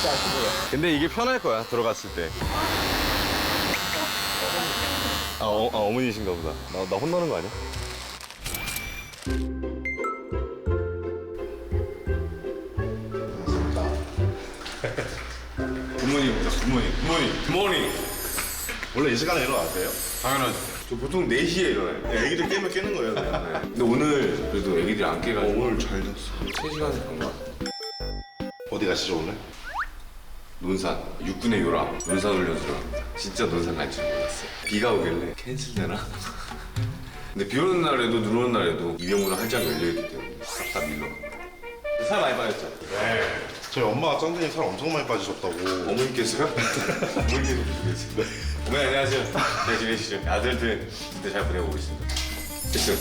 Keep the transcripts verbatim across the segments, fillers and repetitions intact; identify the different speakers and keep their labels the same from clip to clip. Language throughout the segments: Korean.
Speaker 1: 근데 이게 편할 거야, 들어갔을 때. 아, 어, 아 어머니신가 보다. 나, 나 혼나는 거 아니야? 굿모닝, 굿모닝, 굿모닝, 굿모닝.
Speaker 2: 원래 이 시간에 일어나세요?
Speaker 1: 당연하죠. 저 보통 네 시에 일어나요.
Speaker 2: 네, 애기들 깨면 깨는 거예요. 네.
Speaker 1: 근데 오늘 그래도 애기들이 안 깨가지고
Speaker 2: 오늘 잘 잤어.
Speaker 1: 세 시간 잔 거 같아.
Speaker 2: 어디 가시죠 오늘?
Speaker 1: 논산, 육군의 요람, 논산 훈련소로 갑니다. 진짜 논산 갈 줄 몰랐어요. 비가 오길래 캔슬되나? 근데 비 오는 날에도 눈 오는 날에도 이병우는 활짝 열려있기 때문에 싹 다 밀러 갑니다. 살 많이 빠졌죠?
Speaker 2: 네. 저희 엄마가 짱둥이 살 엄청 많이 빠지셨다고.
Speaker 1: 어머니께서요? 어머니께서 보시겠어요? 네. 어머니 안녕하세요. 잘 지내시죠? 아들들 진짜 잘 보내고 있습니다. 됐어요.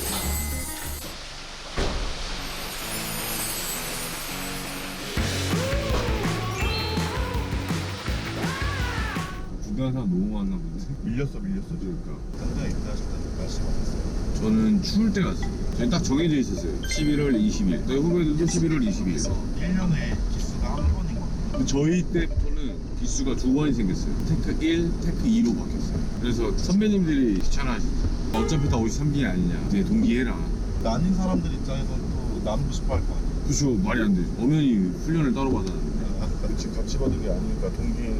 Speaker 3: 구간사 너무 많나 본데?
Speaker 2: 밀렸어 밀렸어.
Speaker 3: 그러니까
Speaker 2: 당장 입사하셨다는 말씀 하셨어요.
Speaker 3: 저는 추울 때 갔어요. 저희 딱 정해져 있었어요. 십일월 이십일. 저희 후배들도 십일월 이십일.
Speaker 2: 일 년에 기수가 한 번인 것 같아요.
Speaker 3: 저희 때부터는 기수가 두 번이 생겼어요. 테크 일, 테크 이로 바뀌었어요. 그래서 선배님들이 귀찮아하시죠. 어차피 다 오십삼 기 아니냐. 이제 동기해라.
Speaker 2: 나뉜 사람들 입장에서는 또 나누고 싶어 할 거 아니에요.
Speaker 3: 그쵸, 말이 안 되죠. 엄연히 훈련을 따로 받았는데.
Speaker 2: 그치, 같이 받은 게 아니니까 동기.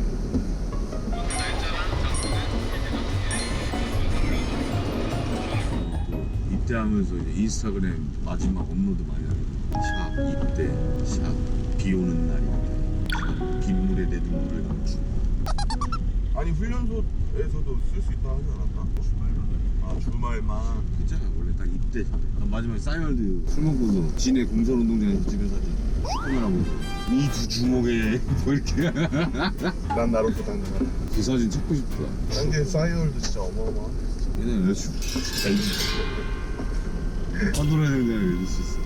Speaker 3: 입대하면서 이제 인스타그램 마지막 업로드 많이 하거든요. 샵 입대, 샵 비 오는 날입니다. 샵 빗물에 내 눈물을 감추고.
Speaker 2: 아니 훈련소에서도 쓸 수 있다 하지 않았나? 주말만. 아 주말만.
Speaker 3: 괜찮아, 원래 딱 입대 전에. 난 마지막에 싸이월드 술 먹고서 진해 공설운동장에서 찍은 사진 슈퍼맨 하고 이 두 주먹에 뭐 이렇게.
Speaker 2: 난 나로도 당근하.
Speaker 3: 그 사진 찾고 싶다.
Speaker 2: 딴게 싸이월드 진짜 어마어마하네.
Speaker 3: 얘는 여자친구 안 놀아야 되는데 이럴 수 있어.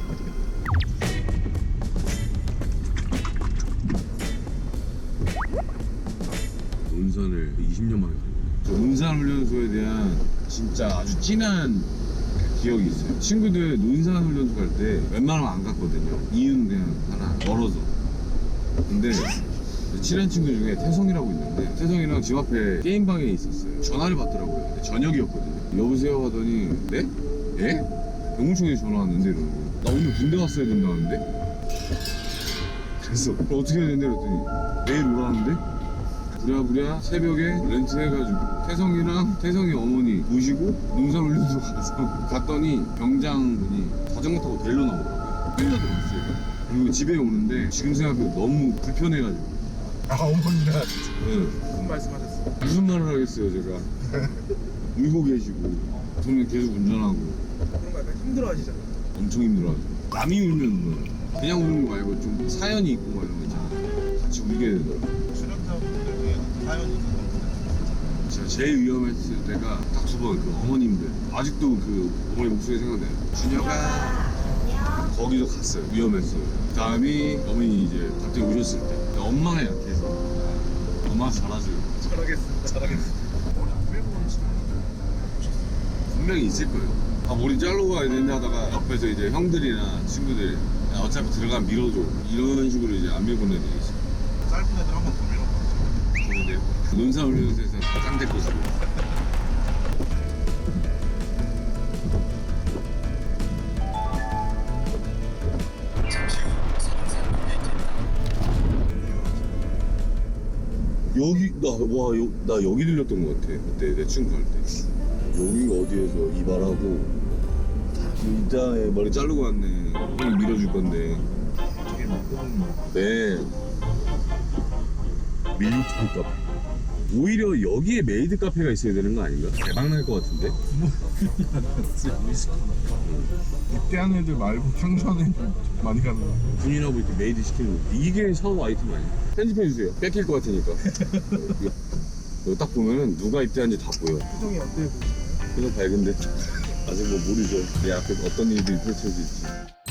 Speaker 3: 논산을 이십 년 만에 간 거예요. 논산 훈련소에 대한 진짜 아주 진한 기억이 있어요. 친구들 논산 훈련소 갈 때 웬만하면 안 갔거든요. 이유는 그냥 하나, 멀어서. 근데 친한 친구 중에 태성이라고 있는데 태성이랑 집 앞에 게임방에 있었어요. 전화를 받더라고요. 근데 저녁이었거든요. 여보세요 하더니 네? 예? 병무청에서 전화 왔는데 이러는 거예요. 나 오늘 군대 갔어야 된다는데? 그래서 어떻게 해야 된대 그랬더니 내일 오라는데? 부랴부랴 새벽에 렌트해가지고 태성이랑 태성이 어머니 모시고 농산훈련소 가서 갔더니 병장분이 자전거 타고 데리러 나오더라고요. 끌려 들어갔어요. 그리고 집에 오는데 지금 생각해도 너무 불편해가지고.
Speaker 2: 아 어머니랑
Speaker 3: 네.
Speaker 2: 무슨 말씀하셨어요?
Speaker 3: 무슨 말을 하겠어요 제가. 울고 계시고 저는 계속 운전하고.
Speaker 4: 그런 거 약간 힘들어 하시잖아요.
Speaker 3: 엄청 힘들어하죠. 남이 울면 울어요. 그냥 우는 거 말고 좀 사연이 있고 막 이런 거 있잖아요. 같이 울게 되더라고요.
Speaker 2: 출연자분들 중에는 사연이 있었던 분들.
Speaker 3: 제가 제일 위험했을 때가 딱 두 번, 그 어머님들. 아직도 그 어머니 목소리 생각나요. 준혁아. 거기도 갔어요. 위험했어요. 그 다음이 어머니 이제 갑자기 오셨을 때. 근데 엄마가 약해서. 엄마가 잘하세요.
Speaker 4: 잘하겠습니다. 잘하겠습니다.
Speaker 2: 머리 안 빼고 하시는 분들 보셨어요?
Speaker 3: 분명히 있을 거예요. 아, 머리 자르고 가야 되는데 하다가 옆에서 이제 형들이나 친구들이 야, 어차피 들어가면 밀어줘. 이런 식으로 이제 안 밀보내는 게 있어요.
Speaker 2: 짧은 애들 한 번 더 밀어보죠.
Speaker 3: 좋은데요? 논산훈련소에서 짱될 것이고. 여기 나와 나 여기 들렸던 것 같아. 그때 내 친구 갈 때. 여기가 어디에서 이발하고 이따에 머리 자르고 왔네. 형 밀어줄 건데.
Speaker 2: 저게 맞거든요.
Speaker 3: 네. 밀리터리 카페. 오히려 여기에 메이드 카페가 있어야 되는 거 아닌가? 대박 날 것 같은데?
Speaker 2: 입대한 애들 말고 평소한 애들 많이 가는 거.
Speaker 3: 군인하고 이렇게 메이드 시키는 거. 이게 샤워 아이템 아니야? 편집해주세요. 뺏길 것 같으니까. 이거, 이거 딱 보면은 누가 입대한지 다 보여.
Speaker 4: 표정이 어때요? 보시나요?
Speaker 3: 그냥 밝은데. 아직 뭐 모르죠. 내 앞에 어떤 일들이 펼쳐질지.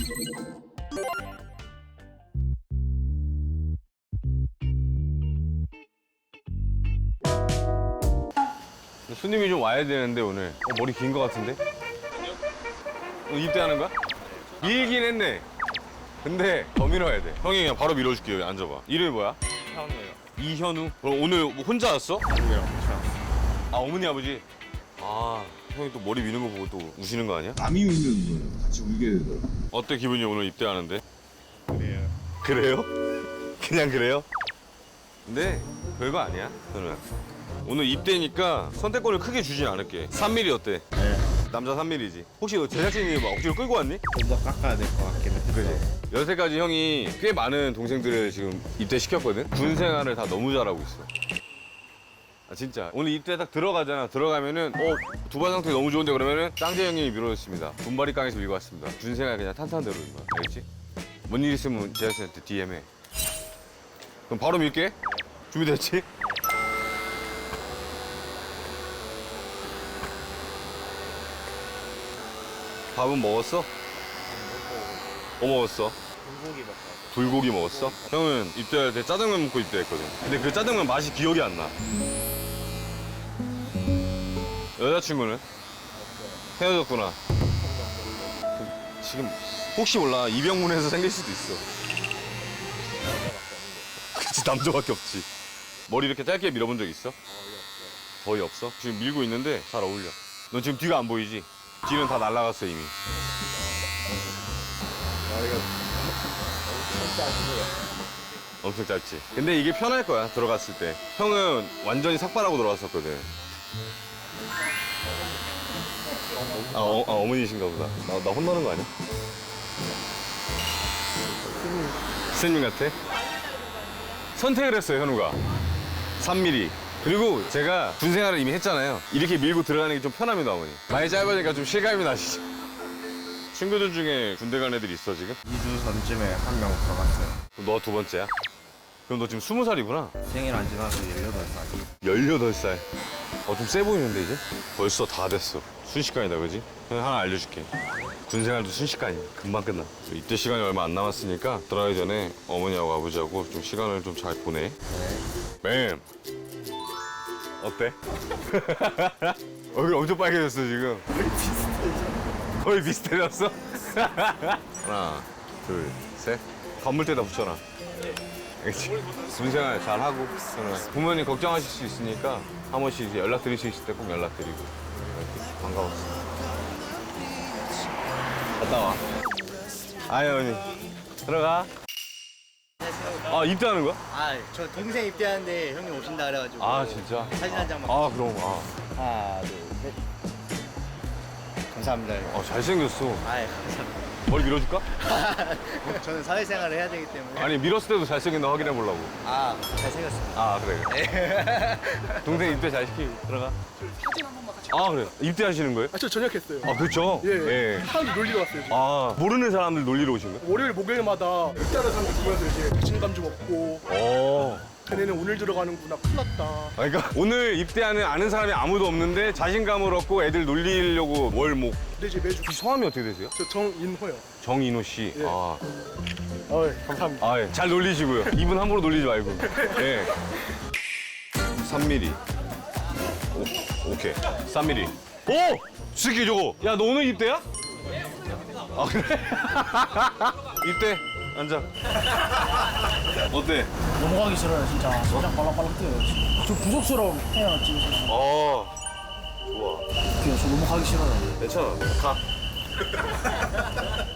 Speaker 1: 손님이 좀 와야 되는데 오늘. 어, 머리 긴 거 같은데? 어, 입대하는 거야? 밀긴 했네. 근데 더 밀어야 돼. 형이 그냥 바로 밀어줄게요. 앉아봐. 이름이 뭐야?
Speaker 4: 이현우요.
Speaker 1: 이현우? 그럼 오늘 뭐 혼자 왔어?
Speaker 4: 아니요.
Speaker 1: 아 어머니 아버지? 아 형이 또 머리 미는 거 보고 또 우시는 거 아니야?
Speaker 3: 남이 울는 거예요. 같이 울게 되더라고.
Speaker 1: 어때 기분이 오늘 입대하는데?
Speaker 4: 그래요.
Speaker 1: 그래요? 그냥 그래요? 근데 별거 아니야 저는 오늘 입대니까 선택권을 크게 주진 않을게. 삼 밀리미터 어때?
Speaker 4: 네.
Speaker 1: 남자 삼 밀리미터지. 혹시 너 제작진이 막 억지로 끌고 왔니?
Speaker 4: 좀 더 깎아야 될 것 같긴 해.
Speaker 1: 그지? 여태까지 형이 꽤 많은 동생들을 지금 입대시켰거든? 군 생활을 다 너무 잘하고 있어. 아 진짜 오늘 입대 딱 들어가잖아. 들어가면은 어 두발 상태 너무 좋은데 그러면은 짱재 형님이 밀어줬습니다. 분발이 깡에서 밀고 왔습니다. 군 생활 그냥 탄탄대로 인 거야. 알겠지? 뭔 일 있으면 제작진한테 디엠해. 그럼 바로 밀게. 준비됐지? 밥은 먹었어? 뭐 먹었어?
Speaker 4: 불고기 먹고.
Speaker 1: 불고기 먹었어? 형은 입대할 때 짜장면 먹고 입대했거든. 근데 그 짜장면 맛이 기억이 안 나. 여자친구는? 헤어졌구나. 그, 지금 혹시 몰라 이병문에서 생길 수도 있어. 그치 남자밖에 없지. 머리 이렇게 짧게 밀어본 적 있어? 거의 없어. 지금 밀고 있는데 잘 어울려. 넌 지금 뒤가 안 보이지? 뒤는 다 날라갔어 이미. 엄청 짧지. 근데 이게 편할 거야 들어갔을 때. 형은 완전히 삭발하고 들어갔었거든. 아, 어, 아 어머니신가 보다. 나, 나 혼나는 거 아니야? 스님 같아? 선택을 했어요 현우가. 삼 밀리미터. 그리고 제가 군 생활을 이미 했잖아요. 이렇게 밀고 들어가는 게 좀 편합니다 어머니. 많이 짧으니까 좀 실감이 나시죠? 친구들 중에 군대 간 애들이 있어 지금?
Speaker 4: 이 주 전쯤에 한 명 들어갔어요.
Speaker 1: 그럼 너 두 번째야? 그럼 너 지금 스무 살이구나?
Speaker 4: 생일 안 지나서 열여덟 살.
Speaker 1: 열여덟 살. 어, 좀 세 보이는데, 이제? 벌써 다 됐어. 순식간이다, 그지? 형 하나 알려줄게. 군 생활도 순식간이야. 금방 끝나. 이때 시간이 얼마 안 남았으니까 들어가기 전에 어머니하고 아버지하고 좀 시간을 좀 잘 보내. 네. 어때? 얼굴 엄청 빨개졌어, 지금. 거의 비슷해졌어? 하나, 둘, 셋. 건물대다 붙여놔. 알겠지? 군생활 잘하고 부모님 걱정하실 수 있으니까 한 번씩 이제 연락드릴 수 있을 때 꼭 연락드리고 이렇게 반가웠어. 갔다 와. 아유 언니 들어가. 아 입대하는 거야?
Speaker 5: 아, 저 동생 입대하는데 형님 오신다 그래가지고
Speaker 1: 아 진짜?
Speaker 5: 사진 한 장만.
Speaker 1: 아 그럼 아,
Speaker 5: 하나, 둘, 셋. 감사합니다.
Speaker 1: 아 잘생겼어.
Speaker 5: 아, 감사합니다.
Speaker 1: 머리 밀어줄까?
Speaker 5: 저는 사회생활을 해야 되기 때문에.
Speaker 1: 아니 밀었을 때도 잘생긴다 확인해 보려고.
Speaker 5: 아, 잘생겼습니다.
Speaker 1: 아 그래 그래. 동생 입대 잘 시키고 들어가.
Speaker 5: 사진 한 번만 같이.
Speaker 1: 아 그래 입대하시는 거예요?
Speaker 6: 아, 저 전역했어요.
Speaker 1: 아 그렇죠?
Speaker 6: 예. 사람들 놀리러 왔어요. 지금.
Speaker 1: 아 모르는 사람들 놀리러 오신 거예요?
Speaker 6: 월요일, 목요일마다 입대하는 사람들 보면서 이제 자신감 좀 얻고
Speaker 1: 어.
Speaker 6: 걔네는 오늘 들어가는구나, 큰일 났다.
Speaker 1: 아, 그러니까 오늘 입대하는 아는 사람이 아무도 없는데 자신감을 얻고 애들 놀리려고 뭘 뭐.
Speaker 6: 근데 이제 매주
Speaker 1: 성함이 어떻게 되세요?
Speaker 6: 저 정인호요.
Speaker 1: 정인호 씨.
Speaker 6: 예.
Speaker 1: 아,
Speaker 6: 어, 감사합니다.
Speaker 1: 아 예. 잘 놀리시고요. 이분 함부로 놀리지 말고. 예. 삼 밀리미터. 오, 오케이. 삼 밀리미터. 오! 스키 저거. 야, 너 오늘 입대야? 아, 그래? 입대. 앉아. 어때?
Speaker 7: 넘어가기 싫어요 진짜. 심장 빨랑빨랑 뛰어요. 저 부족스러움 해요 지금.
Speaker 1: 어. 좋아.
Speaker 7: 저 넘어가기 싫어요.
Speaker 1: 괜찮아. 가.